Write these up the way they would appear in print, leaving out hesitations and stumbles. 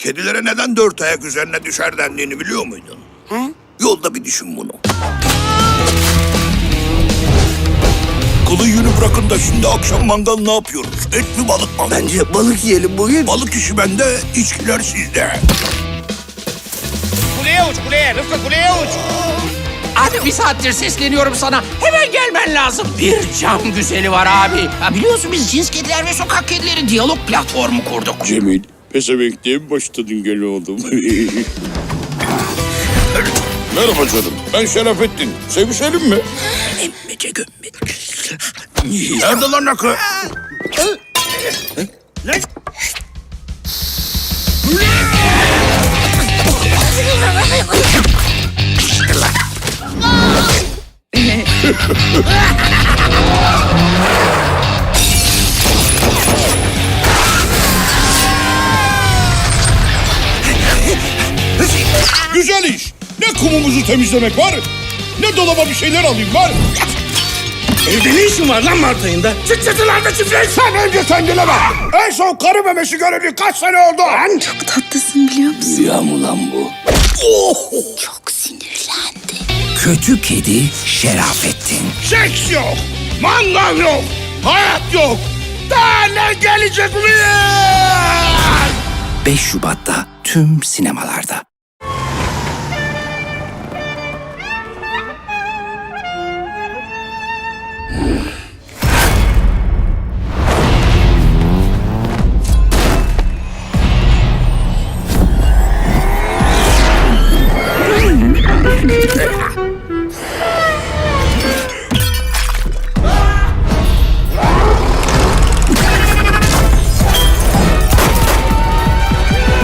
kedilere neden dört ayak üzerine düşer dendiğini biliyor muydun? Ha? Yolda bir düşün bunu. Kılı yünü bırakın da şimdi akşam mangal ne yapıyoruz? Et mi balık mı? Bence balık yiyelim bugün. Balık işi bende, içkiler sizde. Kuleye uç kuleye. Rıfkı kuleye uç. Abi bir saattir sesleniyorum sana. Hemen gelmen lazım. Bir cam güzeli var abi. Ha, biliyorsun biz cins kediler ve sokak kedileri diyalog platformu kurduk. Cemil, pezevenkliğe mi başladın gel oğlum? Merhaba canım, ben Şerafettin. Sevişelim mi? Emmece gömmece. Nerede lan akı? Güzel iş. Ne kumumuzu temizlemek var, ne dolaba bir şeyler alayım var. Evde ne işin var lan Mart ayında? Çıt çıtılarda çiftleş. Sen önce kendine bak. En son karı memesi göreli kaç sene oldu? Çok tatlısın biliyor musun? Rüya mı lan bu? Çok sinirlendi. Kötü kedi Şerafettin. Seks yok, mangal yok, hayat yok. Daha ne gelecek ulan? 5 Şubat'ta tüm sinemalarda.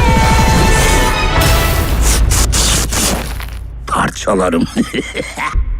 Parçalarım.